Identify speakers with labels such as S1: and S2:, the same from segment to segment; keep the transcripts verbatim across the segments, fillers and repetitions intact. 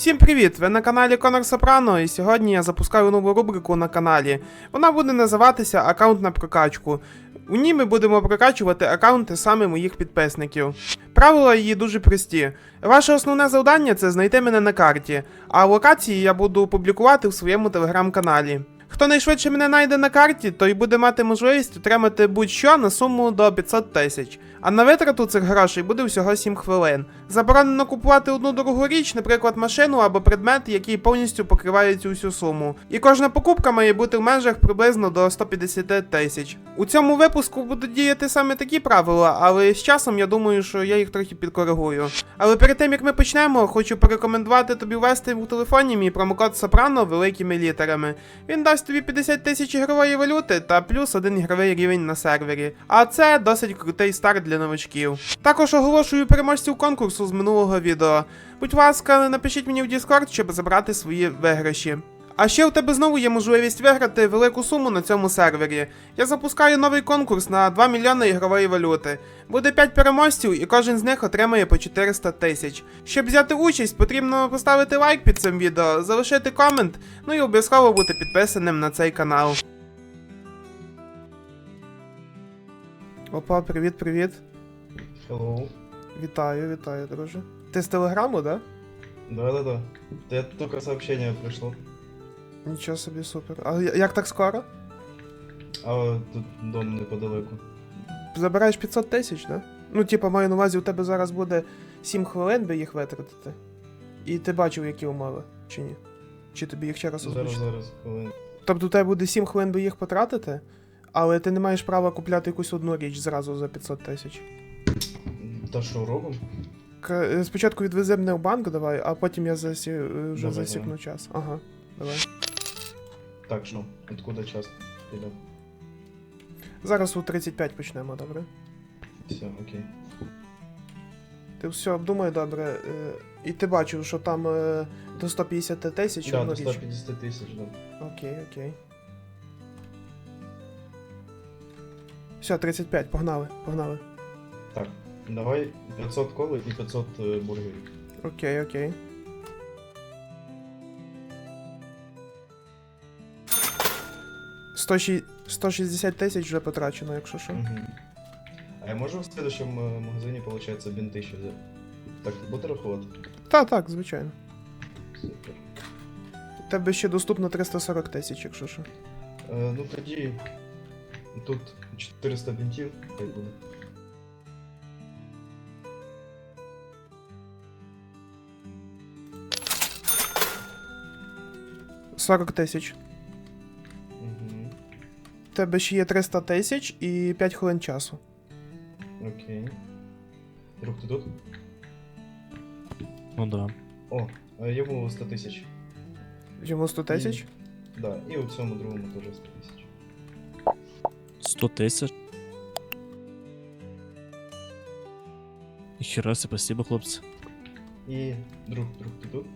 S1: Всім привіт! Ви на каналі Конор Сопрано, і сьогодні я запускаю нову рубрику на каналі. Вона буде називатися «Аккаунт на прокачку». У ній ми будемо прокачувати аккаунти саме моїх підписників. Правила її дуже прості. Ваше основне завдання – це знайти мене на карті, а локації я буду публікувати в своєму телеграм-каналі. Хто найшвидше мене знайде на карті, той буде мати можливість отримати будь-що на суму до п'ятсот тисяч. А на витрату цих грошей буде всього сім хвилин. Заборонено купувати одну дорогу річ, наприклад машину або предмет, який повністю покриває цю всю суму. І кожна покупка має бути в межах приблизно до сто п'ятдесят тисяч. У цьому випуску будуть діяти саме такі правила, але з часом я думаю, що я їх трохи підкоригую. Але перед тим як ми почнемо, хочу порекомендувати тобі ввести у телефоні мій промокод Сопрано великими літерами. Він дасть тобі п'ятдесят тисяч ігрової валюти та плюс один ігровий рівень на сервері. А це досить крутий старт для новачків. Також оголошую переможців конкурсу з минулого відео. Будь ласка, напишіть мені в Discord, щоб забрати свої виграші. А ще у тебе знову є можливість виграти велику суму на цьому сервері. Я запускаю новий конкурс на два мільйони ігрової валюти. Буде п'ять переможців і кожен з них отримає по чотириста тисяч. Щоб взяти участь, потрібно поставити лайк під цим відео, залишити комент, ну і обов'язково бути підписаним на цей канал. Опа, привіт-привіт.
S2: Hello.
S1: Вітаю, вітаю, друже. Ти з телеграму, да?
S2: Да-да-да. Я только сообщение пришло.
S1: Нічого собі, супер. А я- як так скоро?
S2: А тут дом неподалеку.
S1: Забираєш п'ятсот тисяч, да? Ну, типа, маю на увазі, у тебе зараз буде сім хвилин, би їх витратити. І ти бачив, які умови, чи ні? Чи тобі їх ще раз
S2: Зараз,
S1: озвучити?
S2: зараз, хвилин.
S1: Тобто у тебе буде сім хвилин, би їх потратити, але ти не маєш права купляти якусь одну річ зразу за п'ятсот тисяч.
S2: Та що робимо?
S1: К- Спочатку відвези мене в банк, давай, а потім я засі... вже
S2: Давай,
S1: засікну
S2: давай.
S1: час. Ага, давай.
S2: Так, що? Откуда час піде?
S1: Зараз у тридцять п'ять почнемо, добре?
S2: Все, окей.
S1: Ти все обдумай добре. е, І ти бачив, що там е, до сто п'ятдесят тисяч
S2: Да,
S1: одну
S2: до
S1: річ.
S2: ста п'ятдесят тисяч, да.
S1: Окей, окей. Все, тридцять п'ять, погнали, погнали.
S2: Так, давай п'ятсот коли і п'ятсот е, бургерів.
S1: Окей, окей. сто ші- сто шістдесят тисяч вже потрачено, якщо що.
S2: Угу. А я можу в следующем е, магазині, получается, бінти ще взяти? Так, буде рахувати?
S1: Та, так, звичайно.
S2: Супер.
S1: У тебе ще доступно триста сорок тисяч, якщо що.
S2: Е, ну тоді тут чотириста бінтів, хай буде.
S1: сорок тисяч.
S2: Угу.
S1: У тебе ще є триста тисяч і п'ять хвилин часу.
S2: Окей. Друг, ти тут?
S3: Ну да.
S2: О, е, йому сто тисяч.
S1: Йому сто тисяч?
S2: Да, і у цьому другому теж сто тисяч.
S3: сто тисяч. Ніхера себе, спасибо, хлопці.
S2: І друг, друг, ти тут?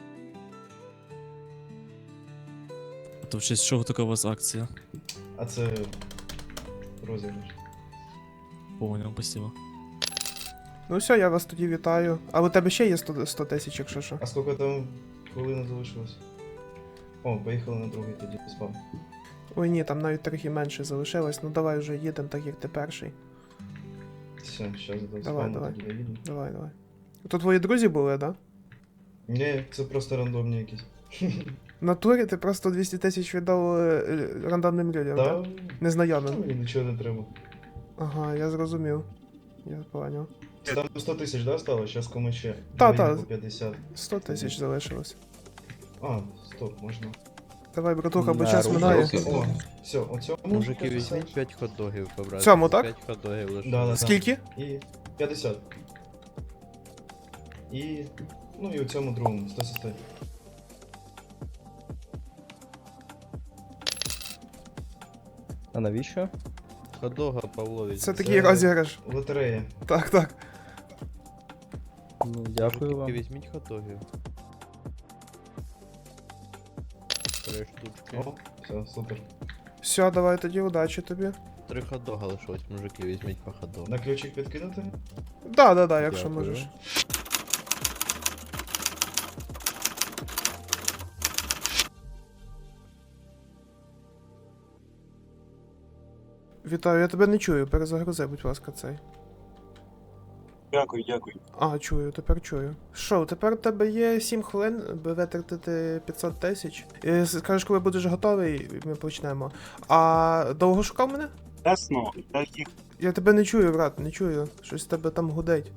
S3: А то в честь чого така у вас акція?
S2: А це розіграш.
S3: Понял, спасибо.
S1: Ну все, я вас тоді вітаю. Але у тебе ще є сто тисяч, якщо що.
S2: А скільки там хвилин залишилось? О, поїхали на другий тоді спам.
S1: Ой ні, там навіть трохи менше залишилось. Ну давай вже їдемо, так як ти перший.
S2: Все, зараз до
S1: Давай,
S2: спаму
S1: давай.
S2: тоді доїду.
S1: Давай, давай. То твої друзі були, да?
S2: Ні, це просто рандомні якісь.
S1: В натурі ти просто двісті тисяч віддав е, е, рандомним людям,
S2: Та,
S1: так? Незнайомим.
S2: мені нічого не треба.
S1: Ага, я зрозумів. Я поняв.
S2: Там сто тисяч, да, стало? Зараз кому ще?
S1: Та,
S2: Мені
S1: та.
S2: по п'ятдесят.
S1: сто тисяч залишилось.
S2: А, стоп, можна.
S1: Давай, братуха, бо
S4: На
S1: час
S4: руки.
S1: минає.
S2: О, все, оцьому
S4: Мужики,
S2: п'ятдесят.
S4: візьміть п'ять хот-догів, побрати.
S1: Цьому, так?
S4: п'ять хот-догів лише.
S2: Да, да, да.
S1: Скільки?
S2: І п'ятдесят. І. Ну і у цьому другому сто сто.
S4: А навіщо? Хот-дога, Павлович.
S1: Це такий розіграш.
S2: Лотерея.
S1: Так, так.
S4: Ну, дякую вам. Візьміть хот-догів. Три штучки.
S2: О, все, супер.
S1: Все, давай тоді удачі тобі.
S4: Три хот-дога лишилось, мужики, візьміть по хот-догу.
S2: На ключик підкинути?
S1: Да, да, да, якщо
S4: Дякую.
S1: можеш. Вітаю, я тебе не чую, перезагрузи, будь ласка, цей.
S5: Дякую, дякую.
S1: А, чую, тепер чую. Що, тепер у тебе є сім хвилин, аби витратити п'ятсот тисяч. Е, Скажеш, коли будеш готовий, ми почнемо. А довго шукав мене?
S5: Ясно, так їх
S1: Я тебе не чую, брат, не чую. Щось в тебе там гудить.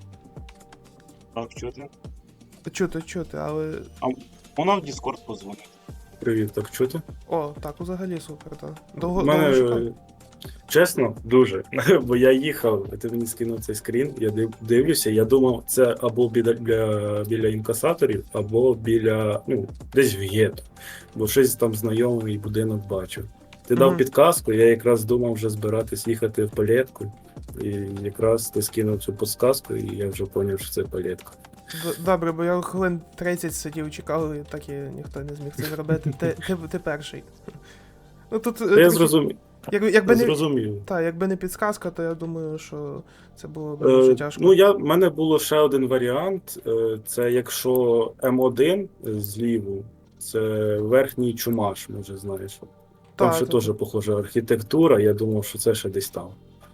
S5: так чути.
S1: Чути, чути, але.
S5: Вона в Discord позвонить.
S6: Привіт, так чути?
S1: О, так, взагалі супер, так. Довго,
S6: У
S1: довго
S6: мене,
S1: шукав?
S6: е, чесно, дуже. Бо я їхав, ти мені скинув цей скрін, я див- дивлюся, я думав, це або біля, біля, біля інкасаторів, або біля, ну, десь в гетто. Бо щось там знайомий будинок бачив. Ти дав
S1: Мгм.
S6: підказку, я якраз думав вже збиратись їхати в палетку. І якраз ти скинув цю підказку, і я вже зрозумів, що це палетка.
S1: Д- Добре, бо я хвилин тридцять сидів, чекав, і так і ніхто не зміг це зробити. Ти, ти, ти перший. Ну тут. е,
S6: Та я
S1: трохи-
S6: зрозумів.
S1: Якби, якби
S6: Я
S1: не.
S6: зрозумів.
S1: Так, якби не підсказка, то я думаю, що це було б дуже
S6: Е,
S1: тяжко.
S6: ну, я, в мене було ще один варіант. Е, це якщо Ем один зліву, це верхній чумаш, може знаєш. Там
S1: Та,
S6: ще
S1: та,
S6: теж
S1: та.
S6: похожа архітектура, я думав, що це ще десь там.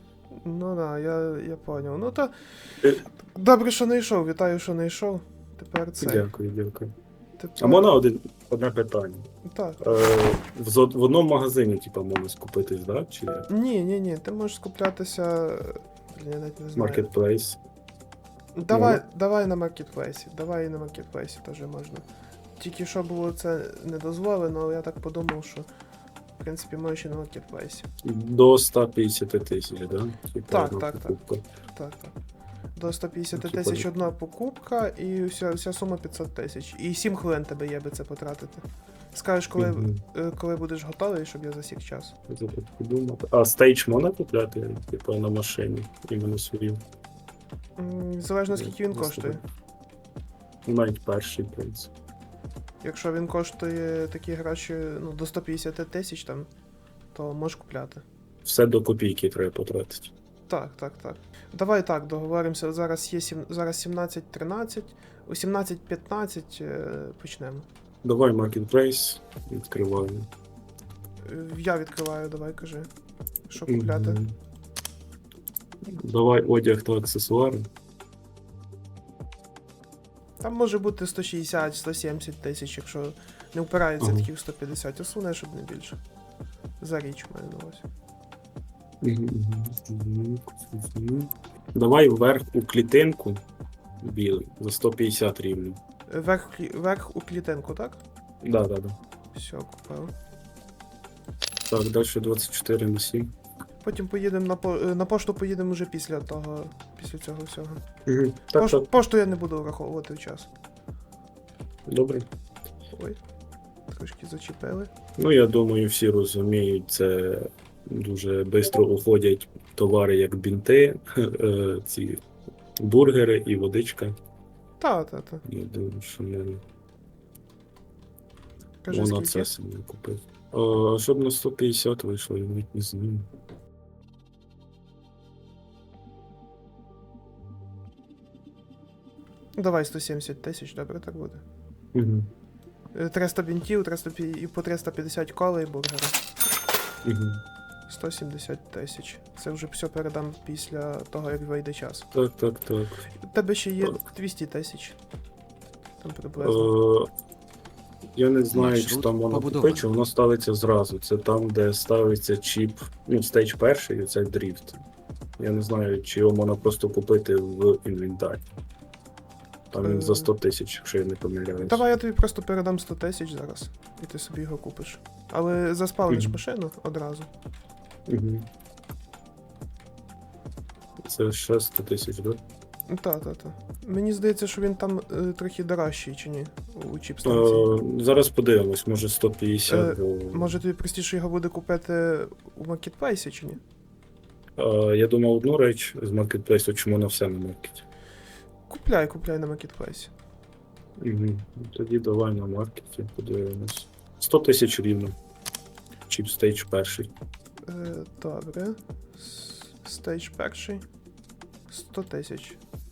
S1: Ну да, я, я поняв. Ну то.
S6: Е.
S1: Добре, що не йшов, вітаю, що не йшов. Тепер це.
S6: Дякую, дякую.
S1: Тепер...
S6: А можна один, одне питання?
S1: Так.
S6: Е, в, зо- в одному магазині, типу, можна скупитись, да? Чи
S1: Ні, ні, ні, ти можеш скуплятися. Блін, я навіть не знаю.
S6: Marketplace?
S1: Давай,
S6: Ну.
S1: давай на маркетплейсі. Давай і на маркетплейсі теж можна. Тільки що було це не дозволено, але я так подумав, що в принципі можеш і на маркетплейсі.
S6: До ста п'ятдесят тисяч, да? Типу,
S1: Так,
S6: одна
S1: так, так.
S6: покупка.
S1: Так, так. До сто п'ятдесят
S6: Ну,
S1: тисяч
S6: типа-
S1: одна покупка і вся, вся сума п'ятсот тисяч. І сім хвилин тебе є би це потратити. Скажеш, коли,
S6: Мгм.
S1: е, коли будеш готовий, щоб я засік час.
S6: Я забув подумати. А стейдж можна купляти, типу, на машині, іменно свою?
S1: М, Залежно скільки він
S6: Я
S1: коштує.
S6: собі- Ну, навіть перший, в принципі.
S1: Якщо він коштує такі гроші ну, до сто п'ятдесят тисяч там, то можеш купляти.
S6: Все до копійки треба потратити.
S1: Так, так, так. Давай так, договоримося. Зараз є сім, зараз сімнадцять тринадцять, у сімнадцять п'ятнадцять е, почнемо.
S6: Давай Marketplace, відкриваю.
S1: Е, Я відкриваю, давай кажи. Що купляти?
S6: Мгм. Давай одяг та аксесуари.
S1: Там може бути сто шістдесят сто сімдесят тисяч, якщо не впирається
S6: Ага.
S1: такі в сто п'ятдесят, основне, щоб не більше. За річ маю на увазі.
S6: Мгм. Мгм. Давай вверх у клітинку білий за сто п'ятдесят рівно.
S1: Е, Верх, клі- верх у клітинку, так?
S6: Да, да, да.
S1: Все, купив.
S6: Так, далі двадцять чотири на сім.
S1: Потім поїдемо на, по... е, на пошту поїдемо вже після того, після цього всього.
S6: Угу. Так,
S1: Пош...
S6: так,
S1: Пошту я не буду враховувати в час.
S6: добре.
S1: Ой, трошки зачепили.
S6: Ну, я думаю, всі розуміють, це дуже швидко уходять товари, як бінти, е, ці бургери і водичка.
S1: Та, та, та.
S6: Я думаю, що не
S1: Кажи,
S6: вона
S1: скільки?
S6: це собі купив. А щоб на сто п'ятдесят вийшло, я навіть не знаю.
S1: Давай сто сімдесят тисяч, добре, так буде.
S6: Угу.
S1: Е, триста бінтів, триста пі- і по триста п'ятдесят кола і бургера.
S6: Угу.
S1: сто сімдесят тисяч. Це вже все передам після того, як вийде час.
S6: Так, так, так.
S1: У тебе ще є
S6: Так.
S1: двісті тисяч. Там приблизно.
S6: Е, я не знаю, чи
S7: Маршрут
S6: там воно
S7: побудований.
S6: купити, чи воно ставиться зразу. Це там, де ставиться чіп, ну, стейдж перший, і це дріфт. Я не знаю, чи його можна просто купити в інвентарі. Там він за сто тисяч, якщо я не помиляюсь.
S1: Давай я тобі просто передам сто тисяч зараз, і ти собі його купиш. Але заспавниш
S6: Мгм.
S1: машину одразу.
S6: Угу. Це ще сто тисяч, так?
S1: Та, та, та. Мені здається, що він там е, трохи дорожчий, чи ні? У чіп станції.
S6: Е, зараз подивимось, може сто п'ятдесят.
S1: Е,
S6: бо-
S1: Може тобі простіше його буде купити у маркетплейсі, чи ні?
S6: Е, я думав одну реч з маркетплейсу, чому на все на маркеті.
S1: Купляй, купляй на маркетплейсі.
S6: Угу. Тоді давай на маркеті, подивимось. сто тисяч рівно. Чіп стейдж перший.
S1: Е, добре. С- Стейдж перший. сто тисяч.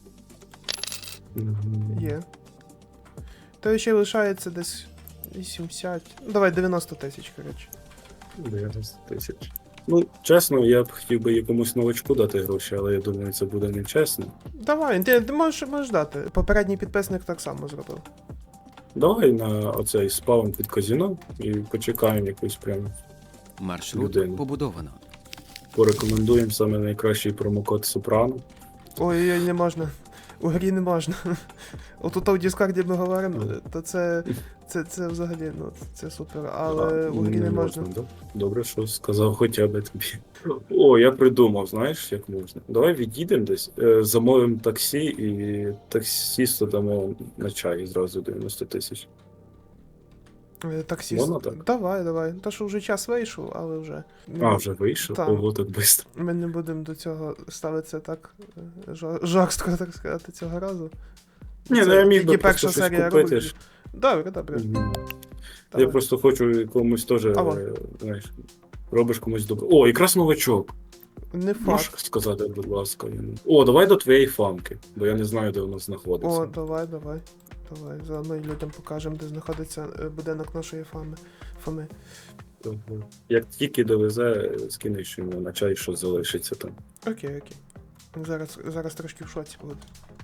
S6: Угу.
S1: Є. То ще лишається десь вісімдесят. Ну, давай дев'яносто тисяч, коротше.
S6: дев'яносто тисяч. Ну, чесно, я б хотів би якомусь новачку дати гроші, але я думаю, це буде нечесно.
S1: Давай, ти, ти можеш, можеш дати. Попередній підписник так само зробив.
S6: Давай на оцей спаун під казино і почекаємо якусь прям
S7: Маршрут
S6: Людину.
S7: побудовано.
S6: порекомендуємо саме найкращий промокод Сопрано.
S1: Ой-ой, не можна. У грі не можна. Отут в Діскорді ми говоримо, то це, це, це взагалі, ну, це супер, але
S6: А,
S1: у грі не можна.
S6: да? Добре, що сказав хоча б тобі. О, я придумав, знаєш, як можна. Давай відійдемо десь, е, замовимо таксі і таксісту дамо на чай зразу дев'яносто тисяч.
S1: Е, Таксіст.
S6: Можна так?
S1: Давай, давай. Та що вже час вийшов, але вже.
S6: А, вже вийшов?
S1: Так.
S6: Ого, так швидко.
S1: Ми не будемо до цього ставитися так е, жор- жорстко, так сказати, цього разу.
S6: Ні,
S1: Це
S6: ну я міг би
S1: тільки
S6: просто
S1: перша
S6: щось
S1: серія
S6: купити.
S1: рубрики.
S6: ж.
S1: Добре, добре.
S6: Мгм. Я
S1: Давай.
S6: просто хочу якомусь теж,
S1: Ава.
S6: е, знаєш, робиш комусь добре. О, якраз новачок.
S1: Не
S6: Можеш
S1: факт.
S6: сказати, будь ласка. я не- О, давай до твоєї фамки, бо я не знаю, де вона знаходиться.
S1: О, давай, давай. Давай. Заодно й людям покажемо, де знаходиться е, будинок нашої фами. Фоми.
S6: Мгм. Як тільки довезе, скинеш йому на чай, що залишиться там.
S1: Окей, окей. Зараз, зараз трошки в шоці буду.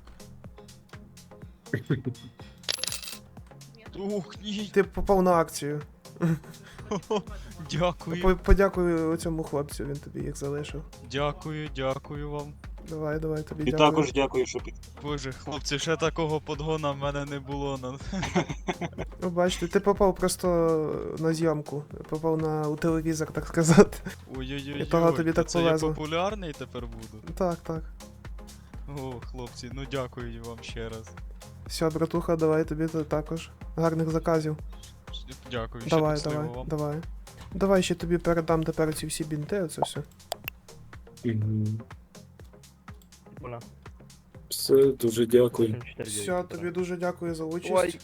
S3: Ух, ні.
S1: Ти попав на акцію.
S3: Дякую.
S1: По- Подякую цьому хлопцю, він тобі їх залишив.
S3: Дякую, дякую вам.
S1: Давай, давай, тобі
S5: І
S1: дякую.
S5: також дякую, що під...
S3: Боже, хлопці, ще такого подгона в мене не було. На...
S1: Ну, бачите, ти попав просто на зйомку. Попав на у телевізор, так сказати.
S3: Ой-ой-ой,
S1: І того тобі так
S3: це я
S1: повезло.
S3: популярний тепер буду.
S1: Так, так.
S3: О, хлопці, ну дякую вам ще раз.
S1: Все, братуха, давай тобі то також. Гарних заказів.
S3: Дякую, ще
S1: Давай,
S3: щасливо
S1: давай,
S3: вам.
S1: давай. Давай ще тобі передам тепер ці всі бінти, оце все.
S6: Мгм. Все, дуже дякую.
S1: Все, тобі дуже дякую за участь.
S4: Ой.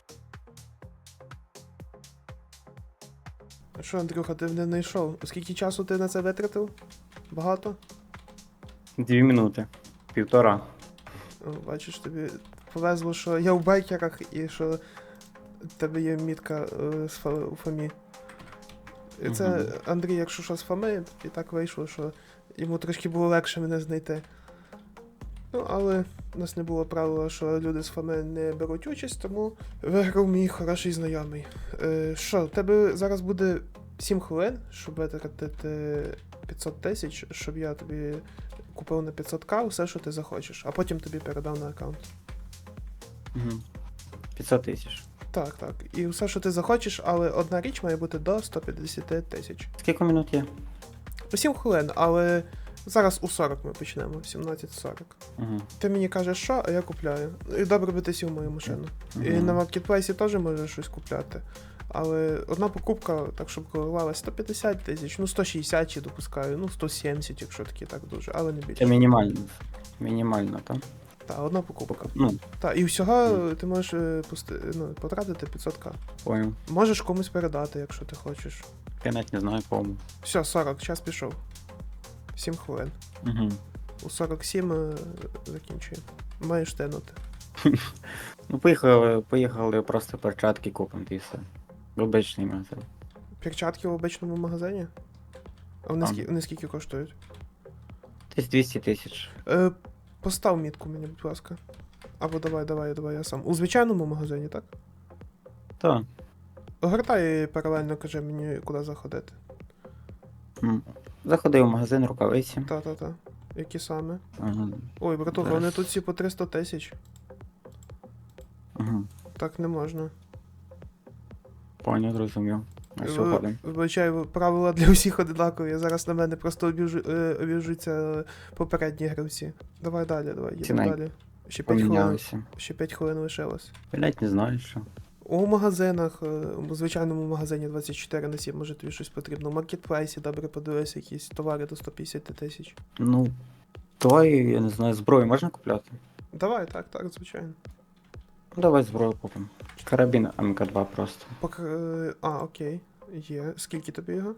S1: А що, Андрюха, ти не знайшов? Скільки часу ти на це витратив? Багато?
S8: Дві минути. Півтора.
S1: О, бачиш, тобі повезло, що я в байкерах і що в тебе є мітка е, з фа- у Фомі. І це
S8: Мгм.
S1: Андрій, якщо що з Фоми, і так вийшло, що йому трошки було легше мене знайти. Ну, але у нас не було правила, що люди з Фоми не беруть участь, тому виграв мій хороший знайомий. Е, що, в тебе зараз буде сім хвилин, щоб витратити п'ятсот тисяч, щоб я тобі купив на п'ятсот к все, що ти захочеш, а потім тобі передав на аккаунт.
S8: Угу. п'ятсот тисяч.
S1: Так, так. І все, що ти захочеш, але одна річ має бути до сто п'ятдесят тисяч.
S8: Скільки минут є?
S1: сім хвилин, але зараз у сорок ми почнемо, сімнадцять сорок.
S8: Угу.
S1: Ти мені кажеш, що, а я купляю. І добре би ти сів в мою машину. І
S8: Мгм.
S1: на маркетплейсі теж можеш щось купляти. Але одна покупка, так щоб коливалась сто п'ятдесят тисяч, ну сто шістдесят чи допускаю, ну сто сімдесят, якщо такі так дуже, але не
S8: Це
S1: більше.
S8: мінімально. Мінімально, так?
S1: Так, одна покупка.
S8: Ну,
S1: Так, і всього ти можеш е, пусти, ну, потратити п'ятсот к.
S8: понял.
S1: Можеш комусь передати, якщо ти хочеш.
S8: Я навіть не знаю кому.
S1: Все, сорок, час пішов. сім хвилин.
S8: Угу.
S1: У сорок сім е, закінчуємо. Маєш тянути.
S8: Ну, поїхали, поїхали просто перчатки купимо і все. Обичний магазин.
S1: Перчатки в обичному магазині? А вони,
S8: Там.
S1: скі... вони скільки коштують?
S8: Десь двісті тисяч.
S1: Е, постав мітку мені, будь ласка. Або давай, давай, давай, я сам. У звичайному магазині, так?
S8: Так.
S1: Огортай і паралельно кажи мені, куди заходити.
S8: М. Заходив в магазин рукавиці.
S1: Та-та-та. Які саме?
S8: Ага.
S1: Ой, братуха,
S8: Зараз.
S1: вони тут всі по триста тисяч.
S8: Угу.
S1: Так не можна.
S8: Понял, зрозумів. А що
S1: Ви-
S8: ходимо?
S1: Вибачаю, правила для всіх одинакові. Зараз на мене просто обіжу, е, обіжуться попередні гравці. Давай далі, давай, їдемо
S8: Ціна
S1: далі. Ще п'ять хвилин,
S8: Помінялися.
S1: ще п'ять хвилин лишилось.
S8: Блять, не знаю, що.
S1: У магазинах, е, у звичайному магазині двадцять чотири на сім, може тобі щось потрібно. У маркетплейсі, добре подивися, якісь товари до сто п'ятдесят тисяч.
S8: Ну, давай, я не знаю, зброю можна купляти?
S1: Давай, так, так, звичайно.
S8: Ну, давай зброю купимо. Карабін ем ка два просто.
S1: Пок... е, А, окей. Є. Скільки тобі його?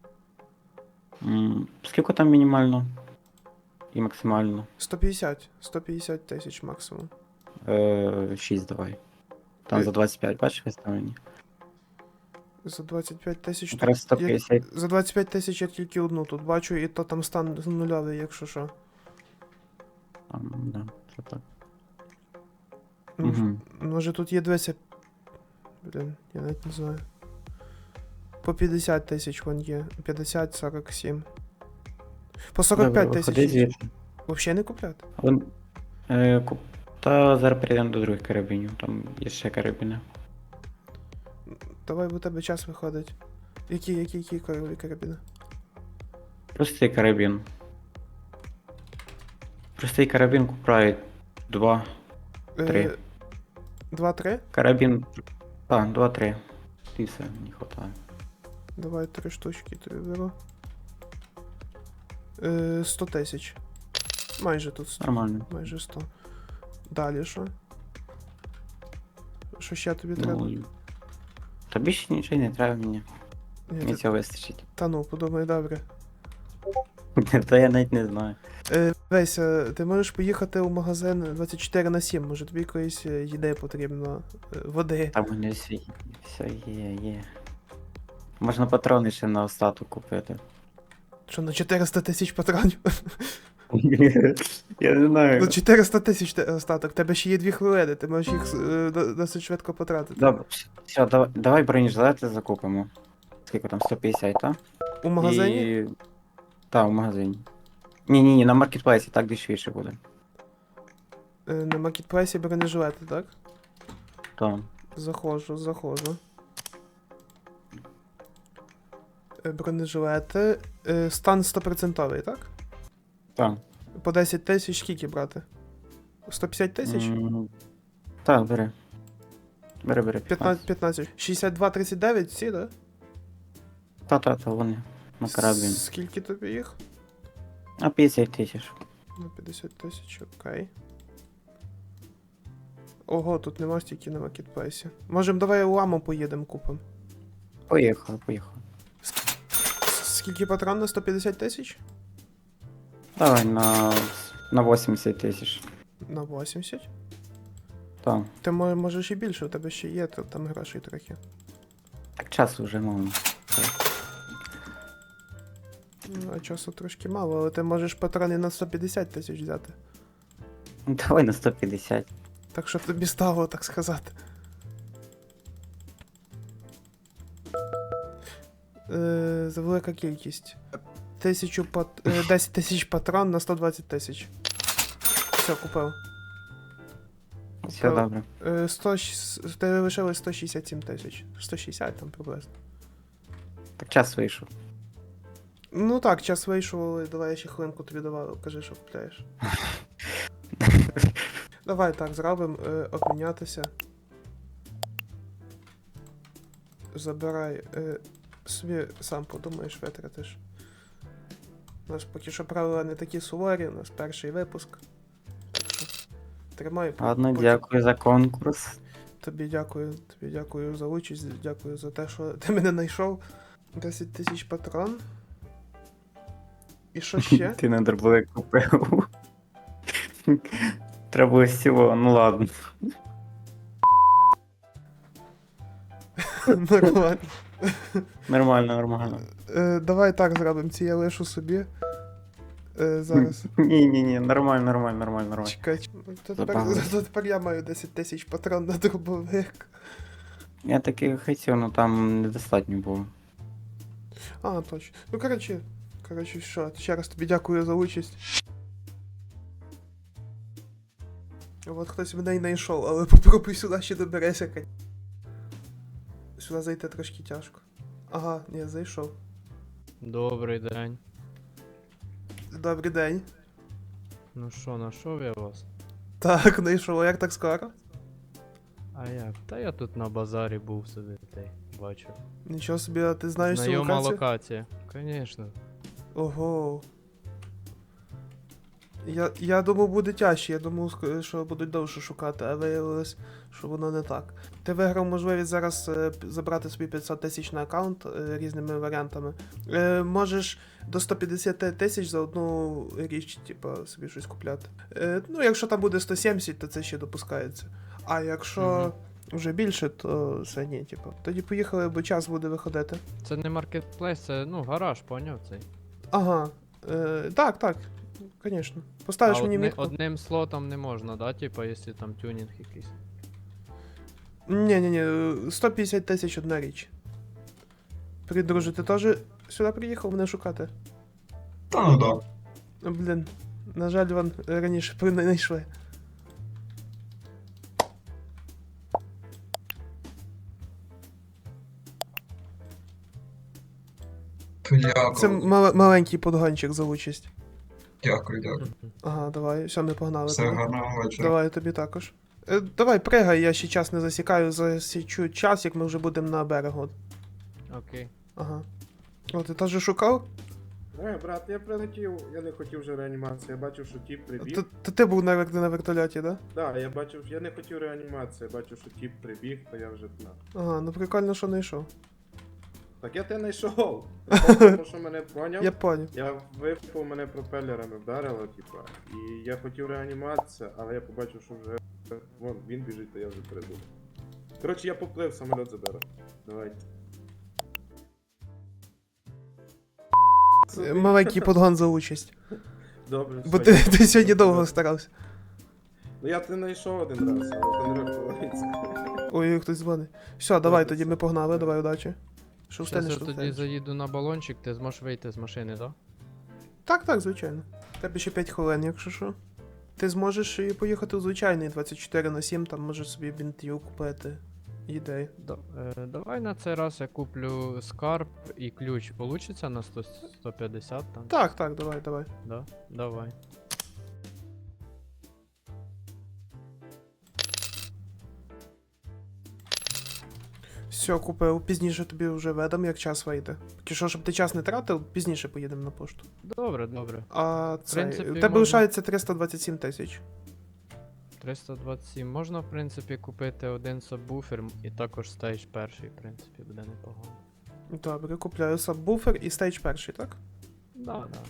S8: М, Скільки там мінімально? І максимально?
S1: сто п'ятдесят. сто п'ятдесят тисяч максимум.
S8: Е, шість давай. Там
S1: Е.
S8: за двадцять п'ять, бачиш виставлені?
S1: За двадцять п'ять тисяч. тут-
S8: Якраз сто
S1: я-
S8: п'ятдесят.
S1: За двадцять п'ять тисяч я тільки одну тут бачу, і то там стан нульовий, якщо що.
S8: А, ну, да, це так.
S1: Ну,
S8: Угу.
S1: Може тут є дивися. Блін, я навіть не знаю. По п'ятдесят тисяч вон є. п'ятдесят, сорок сім. По сорок п'ять
S8: Ходи
S1: тисяч.
S8: звідси.
S1: Взагалі не купляти.
S8: Вон, е, куп... Та зараз перейдемо до других карабінів, там є ще карабіни.
S1: Давай, бо у тебе час виходить. Які, які, які корові карабіни?
S8: Простий карабін. Простий карабін купляють два. Три.
S1: Е, Два-три?
S8: Карабін. Так, два-три. І все, не хватає.
S1: Давай три штучки тобі беру. Е, сто тисяч. Майже тут сто.
S8: Нормально.
S1: Майже сто. Далі що? Що ще тобі треба?
S8: Ну, та більше нічого не треба мені.
S1: Ні,
S8: Мені
S1: ти-
S8: цього вистачить.
S1: Та ну, подумай, добре.
S8: Та я навіть не знаю.
S1: Е, Весь, е, ти можеш поїхати у магазин двадцять чотири на сім, може тобі якоїсь е, їди потрібно, е, води.
S8: Там у мене все, все є, є. Можна патрони ще на остаток купити.
S1: Що на чотириста тисяч патронів?
S8: Я не знаю.
S1: Ну чотириста тисяч те- остаток, тебе ще є дві хвилини, ти можеш їх е, до- досить швидко потратити.
S8: Добре, все, давай, давай бронежилети закупимо. Скільки там, сто п'ятдесят, так?
S1: У магазині?
S8: І... Так, в магазині. Ні-ні, ні, на маркетплейсі так дешевіше буде.
S1: Е, На маркетплейсі бронежилети, так?
S8: Так.
S1: Заходжу, заходжу. Е, Бронежилети. Е, Стан сто відсотків, так?
S8: Так.
S1: По десять тисяч скільки брати? сто п'ятдесят тисяч?
S8: М, Так, бери. Бери, бери.
S1: п'ятнадцять,
S8: п'ятнадцять.
S1: п'ятнадцять. шістдесят два тридцять дев'ять всі, так?
S8: Та-та-та, вони. На карабін.
S1: Скільки тобі їх?
S8: А п'ятдесят тисяч.
S1: На п'ятдесят тисяч, окей. Ого, тут нема стільки на маркетплейсі. Можем, давай ламу поїдемо купимо.
S8: Поїхали, поїхали.
S1: Скільки патрон на сто п'ятдесят тисяч?
S8: Давай на, на вісімдесят тисяч.
S1: На вісімдесят?
S8: Так.
S1: Ти мо- можеш і більше, у тебе ще є то- там грошей трохи.
S8: Так часу вже мало.
S1: Ну, а часу трошки мало, але ти можеш патрони на сто п'ятдесят тисяч взяти.
S8: Ну, давай на сто п'ятдесят.
S1: Так що тобі стало, так сказати. Е, за велика кількість. Тисячу пат... е, десять тисяч патрон на сто двадцять тисяч. Все, купив.
S8: Все добре.
S1: Е, сто... щ- Тебе лишилось сто шістдесят сім тисяч. сто шістдесят там приблизно.
S8: Так час вийшов.
S1: Ну так, час вийшов, але давай я ще хвилинку тобі давав, кажи, що купляєш. Давай так, зробимо, е, обмінятися. Забирай. Е, собі сам подумаєш, витратиш. У нас поки що правила не такі суворі, у нас перший випуск. Так що тримай.
S8: Ладно,
S1: потім-
S8: дякую за конкурс.
S1: Тобі дякую, тобі дякую за участь, дякую за те, що ти мене знайшов. десять тисяч патрон. І що ще?
S8: Ти на дробовик купив. Треба було всього, ну ладно.
S1: Нормально.
S8: Нормально, нормально.
S1: Е, давай так зробимо, ці я лишу собі. Е, зараз.
S8: Ні, ні, ні, нормально, нормально, нормально, нормально.
S1: Чекай, ч- ну, то тепер,
S8: Забагато.
S1: то тепер я маю десять тисяч патрон на дробовик.
S8: Я таки хотів, але там недостатньо було.
S1: А, точно. Ну, коротше, коротше, що, ще раз тобі дякую за участь. От хтось мене й знайшов, але попробуй сюди ще доберешся. кать. Сюди зайти трошки тяжко. Ага, ні, зайшов.
S7: Добрий день.
S1: Добрий день.
S7: Ну що, нашов я вас?
S1: Так, знайшов, а як так скоро?
S7: А як? Та я тут на базарі був собі, та й бачу.
S1: Нічого собі, а ти знаєш цю
S7: Знайома
S1: локацію?
S7: локація. Конечно.
S1: Ого. Я, я думав, буде тяжче, я думав, ск- що будуть довше шукати, а виявилось, що воно не так. Ти виграв можливість зараз е, п- забрати собі п'ятсот тисяч на аккаунт е, різними варіантами. Е, можеш до сто п'ятдесят тисяч за одну річ, типу, собі щось купляти. Е, ну, якщо там буде сто сімдесят, то це ще допускається. А якщо вже більше, то все ні, типу. Тоді поїхали, бо час буде виходити.
S7: Це не маркетплейс, це ну гараж, поняв цей.
S1: Ага. Е, так, так. Звісно. Поставиш
S7: а
S1: мені
S7: одни,
S1: мітку?
S7: одним слотом не можна, да? Типа, якщо там тюнінг якийсь.
S1: Ні, ні, ні, сто п'ятдесят тисяч одна річ. Привіт, друже, ти теж сюди приїхав мене шукати?
S9: Та ну да.
S1: Ну, блін, на жаль, вам раніше при- не знайшли.
S9: Дякую.
S1: Це мал- маленький подгончик за участь.
S9: Дякую, дякую.
S1: Ага, давай, все, ми погнали.
S9: Все,
S1: тоді.
S9: гарного вечора.
S1: Давай тобі також. Е, давай, пригай, я ще час не засікаю, засічу час, як ми вже будемо на берегу.
S7: Окей.
S1: Ага. О, ти теж шукав?
S10: Не, брат, я прилетів, я не хотів вже реанімацію, я бачив, що тіп прибіг.
S1: То, то ти був на, вер- на вертольоті, да?
S10: Да, я бачив, я не хотів реанімацію, я бачив, що тіп прибіг, то я вже на.
S1: Ага, ну прикольно, що не йшов.
S10: Так я тебе знайшов. Тому що мене поняв.
S1: Я поняв.
S10: Я випав, мене пропелерами вдарило, типа. І я хотів реанімацію, але я побачив, що вже. Вон, він біжить, то я вже придумав. Коротше, я поплив, самоліт заберу. Давайте.
S1: Е, Маленький подгон за участь.
S10: Добре,
S1: Бо
S10: все,
S1: ти,
S10: я-
S1: ти сьогодні довго старався.
S10: Ну я тебе знайшов один раз, але то не рахується.
S1: Ой, хтось дзвонить. Все, давай,
S10: Добре,
S1: тоді ми
S10: все.
S1: погнали, давай, удачі. Що
S7: Щас
S1: встанеш,
S7: я
S1: що
S7: тоді
S1: встанеш.
S7: заїду на балончик, ти зможеш вийти з машини, да?
S1: Так, так, звичайно. Тебе ще п'ять хвилин, якщо що. Ти зможеш і поїхати у звичайний двадцять чотири на сім, там можеш собі бінтів купити. Ідеї.
S7: Да, е, давай на цей раз я куплю скарб і ключ. Получиться на сто, сто п'ятдесят там?
S1: Так, так, давай, давай.
S7: Да? Давай.
S1: Все, купив. Пізніше тобі вже ведом, як час вийде. Поки що, щоб ти час не тратив, пізніше поїдемо на пошту.
S7: Добре, добре.
S1: А це.
S7: принципі,
S1: У тебе
S7: можна-
S1: лишається триста двадцять сім тисяч.
S7: триста двадцять сім. Можна, в принципі, купити один сабвуфер і також стейдж перший, в принципі, буде непогано.
S1: Добре, купляю сабвуфер і стейдж перший, так?
S7: Да, да.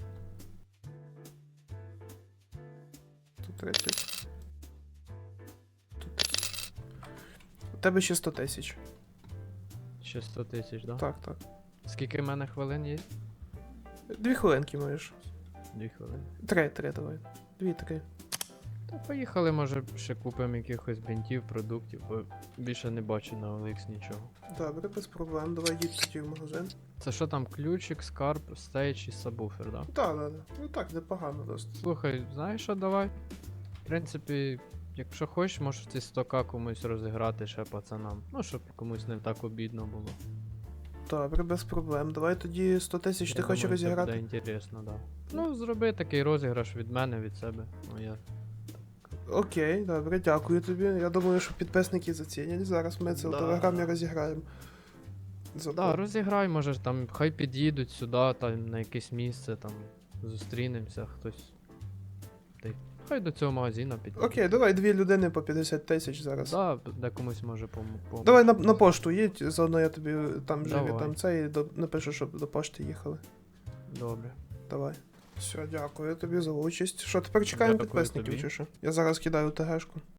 S1: Тут тридцять. Тут тисяч. У тебе ще сто тисяч.
S7: Ще сто тисяч, да?
S1: Так, так.
S7: Скільки в мене хвилин є?
S1: Дві хвилинки маєш.
S7: Дві хвилини.
S1: Три, три, давай. Дві, три.
S7: Та поїхали, може, ще купимо якихось бінтів, продуктів, бо більше не бачу на о ел ікс нічого.
S1: Добре, без проблем. Давай їдь тоді в магазин.
S7: Це що там, ключик, скарб, стейдж і сабвуфер, да?
S1: Так, так, так. Ну так, непогано досить.
S7: Слухай, знаєш що, давай? В принципі, якщо хочеш, можеш ці сто ка комусь розіграти ще пацанам. Ну, щоб комусь не так обідно було.
S1: Добре, без проблем. Давай тоді сто тисяч ти
S7: Я
S1: хочеш
S7: думаю, це
S1: розіграти?
S7: буде інтересно, да. Ну, зроби такий розіграш від мене, від себе. Ну, я...
S1: Окей, добре, дякую тобі. Я думаю, що підписники зацінять. Зараз ми це в
S7: Да.
S1: телеграмі розіграємо. За
S7: Да, розіграй, може ж там, хай під'їдуть сюди, там на якесь місце, там зустрінемося, хтось. Та й хай до цього магазину під'їдуть.
S1: Окей, давай дві людини по п'ятдесят тисяч зараз.
S7: Да, де комусь може пом-
S1: Давай на, на пошту їдь, заодно я тобі там живі
S7: Давай.
S1: там це і до, напишу, щоб до пошти їхали.
S7: Добре.
S1: Давай. Все, дякую тобі за участь. Що, тепер чекаємо
S7: Дякую
S1: підписників
S7: тобі.
S1: чи що? Я зараз кидаю ТГшку.